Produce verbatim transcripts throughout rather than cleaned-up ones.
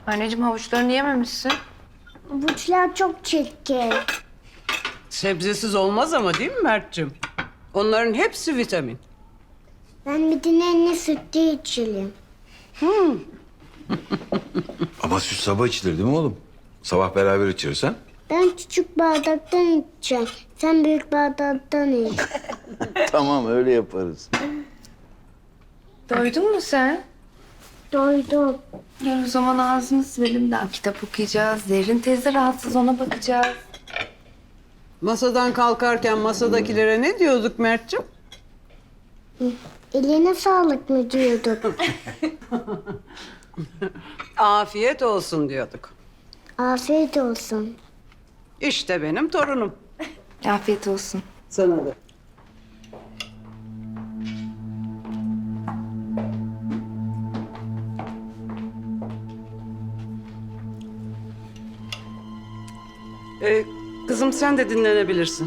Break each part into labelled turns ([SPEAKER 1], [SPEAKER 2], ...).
[SPEAKER 1] Anneciğim havuçlarını yememişsin.
[SPEAKER 2] Havuçlar çok çirkin.
[SPEAKER 3] Sebzesiz olmaz ama değil mi Mert'cim? Onların hepsi vitamin.
[SPEAKER 2] Ben bir dinlenme sütü içelim.
[SPEAKER 4] Ama süt sabah içilir değil mi oğlum? Sabah beraber içeriz ha?
[SPEAKER 2] Ben küçük bardaktan içeceğim. Sen büyük bardaktan iç.
[SPEAKER 4] Tamam öyle yaparız.
[SPEAKER 1] Doydun mu sen?
[SPEAKER 2] Doydum.
[SPEAKER 1] Gel o zaman ağzını silelim daha kitap okuyacağız. Zerrin teyze rahatsız ona bakacağız.
[SPEAKER 3] Masadan kalkarken masadakilere ne diyorduk Mert'cim?
[SPEAKER 2] Eline sağlık mı diyorduk?
[SPEAKER 3] Afiyet olsun diyorduk.
[SPEAKER 2] Afiyet olsun.
[SPEAKER 3] İşte benim torunum.
[SPEAKER 1] Afiyet olsun.
[SPEAKER 3] Sana da. Ee, kızım sen de dinlenebilirsin.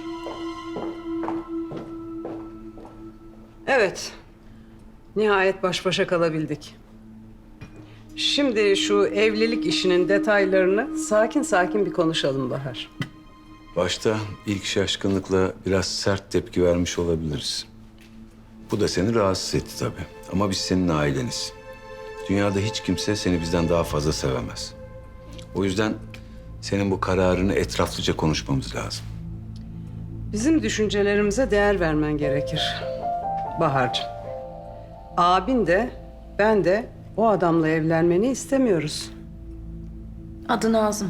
[SPEAKER 3] Evet. Nihayet baş başa kalabildik. Şimdi şu evlilik işinin detaylarını sakin sakin bir konuşalım Bahar.
[SPEAKER 4] Başta ilk şaşkınlıkla biraz sert tepki vermiş olabiliriz. Bu da seni rahatsız etti tabii. Ama biz senin aileniz. Dünyada hiç kimse seni bizden daha fazla sevemez. O yüzden senin bu kararını etraflıca konuşmamız lazım.
[SPEAKER 3] Bizim düşüncelerimize değer vermen gerekir Bahar'cığım. Abin de ben de o adamla evlenmeni istemiyoruz.
[SPEAKER 5] Adı Nazım.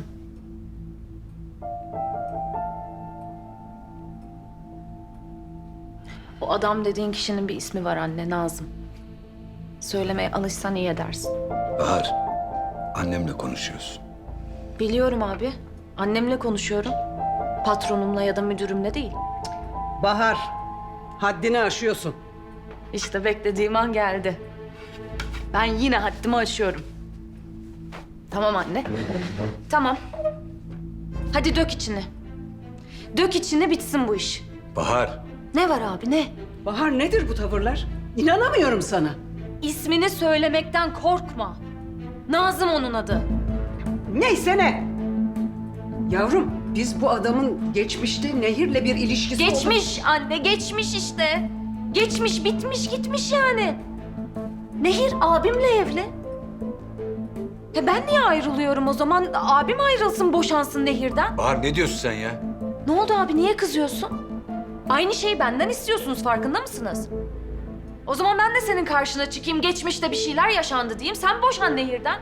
[SPEAKER 5] O adam dediğin kişinin bir ismi var anne, Nazım. Söylemeye alışsan iyi edersin.
[SPEAKER 4] Bahar, annemle konuşuyorsun.
[SPEAKER 5] Biliyorum abi. Annemle konuşuyorum. Patronumla ya da müdürümle değil.
[SPEAKER 3] Bahar, haddini aşıyorsun.
[SPEAKER 5] İşte beklediğim an geldi. Ben yine haddimi aşıyorum. Tamam anne. Tamam. Hadi dök içini. Dök içini, bitsin bu iş.
[SPEAKER 4] Bahar,
[SPEAKER 5] Ne var abi, ne?
[SPEAKER 3] Bahar nedir bu tavırlar? İnanamıyorum sana.
[SPEAKER 5] İsmini söylemekten korkma. Nazım onun adı.
[SPEAKER 3] Neyse ne? Yavrum, biz bu adamın geçmişte Nehir'le bir ilişkisi olduğunu-
[SPEAKER 5] Geçmiş anne, geçmiş işte. Geçmiş, bitmiş, gitmiş yani. Nehir abimle evli. Ya ben niye ayrılıyorum o zaman? Abim ayrılsın, boşansın Nehir'den.
[SPEAKER 4] Bahar ne diyorsun sen ya?
[SPEAKER 5] Ne oldu abi, niye kızıyorsun? Aynı şeyi benden istiyorsunuz, farkında mısınız? O zaman ben de senin karşına çıkayım, geçmişte bir şeyler yaşandı diyeyim. Sen boşan Nehir'den.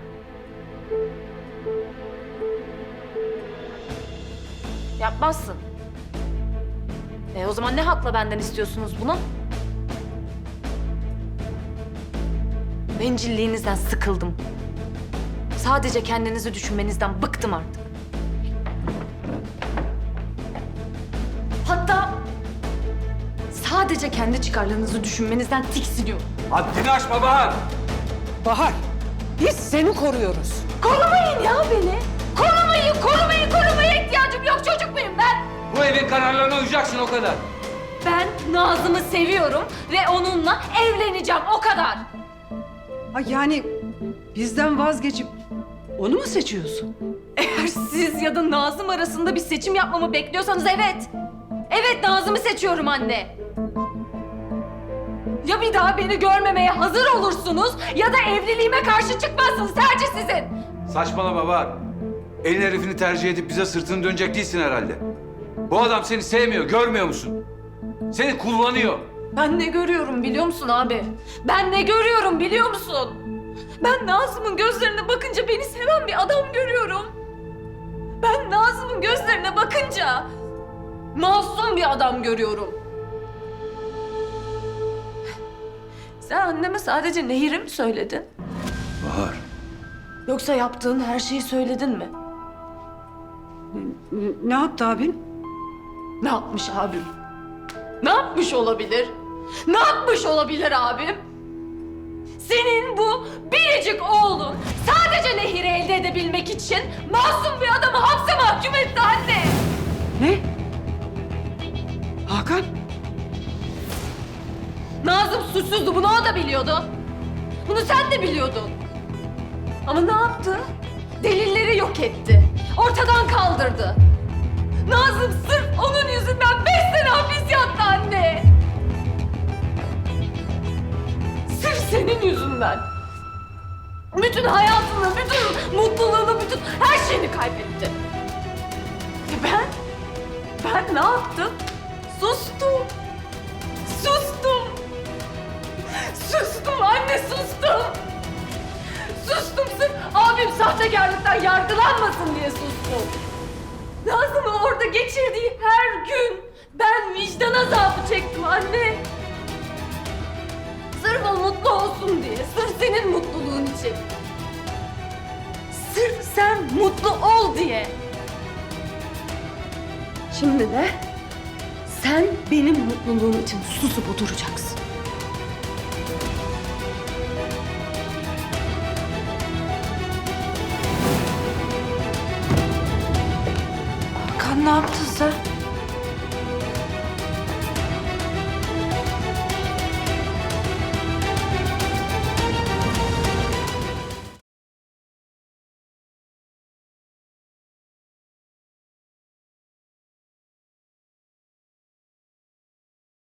[SPEAKER 5] Yapmazsın. E o zaman ne hakla benden istiyorsunuz bunu? Bencilliğinizden sıkıldım. Sadece kendinizi düşünmenizden bıktım artık. Hatta sadece kendi çıkarlarınızı düşünmenizden tiksiniyorum.
[SPEAKER 4] Haddini aşma Bahar!
[SPEAKER 3] Bahar, biz seni koruyoruz.
[SPEAKER 5] Korumayın ya beni. Korumayın, korumayın, korumaya ihtiyacım yok. Çocuk muyum ben?
[SPEAKER 6] Bu evin kararlarına uyacaksın o kadar.
[SPEAKER 5] Ben Nazım'ı seviyorum ve onunla evleneceğim, o kadar.
[SPEAKER 3] Ha yani bizden vazgeçip onu mu seçiyorsun?
[SPEAKER 5] Eğer siz ya da Nazım arasında bir seçim yapmamı bekliyorsanız evet. Evet, Nazım'ı seçiyorum anne. Ya bir daha beni görmemeye hazır olursunuz ya da evliliğime karşı çıkmazsınız. Tercih sizin.
[SPEAKER 6] Saçmalama Bahar. Elin herifini tercih edip bize sırtını dönecek değilsin herhalde. Bu adam seni sevmiyor, görmüyor musun? Seni kullanıyor.
[SPEAKER 5] Ben ne görüyorum biliyor musun abi? Ben ne görüyorum biliyor musun? Ben Nazım'ın gözlerine bakınca beni seven bir adam görüyorum. Ben Nazım'ın gözlerine bakınca masum bir adam görüyorum. Sen anneme sadece Nehir'i mi söyledin?
[SPEAKER 4] Bahar,
[SPEAKER 5] Yoksa yaptığın her şeyi söyledin mi?
[SPEAKER 3] N- Ne yaptı abin?
[SPEAKER 5] Ne yapmış abim? Ne yapmış olabilir? Ne yapmış olabilir abim? Senin bu biricik oğlun sadece Nehir'i elde edebilmek için masum bir adamı hapse mahkum etti anne.
[SPEAKER 3] Ne? Hakan?
[SPEAKER 5] Nazım suçsuzdu, bunu o da biliyordu. Bunu sen de biliyordun. Ama ne yaptı? Delilleri yok etti. Ortadan kaldırdı. Nazım sırf onun yüzünden beş sene hapis yattı anne. Sırf senin yüzünden. Bütün hayatını, bütün mutluluğunu, bütün her şeyini kaybetti. Ve ben, ben ne yaptım? Sustum. Sustum. Sustum anne, sustum. Sustum sırf abim sahtekarlıktan yargılanmasın diye sustum. Nazım'ın orada geçirdiği her gün ben vicdan azabı çektim anne. Sırf o mutlu olsun diye, sırf senin mutluluğun için. Sırf sen mutlu ol diye. Şimdi de sen benim mutluluğum için susup oturacaksın.
[SPEAKER 1] Hakan ne yaptın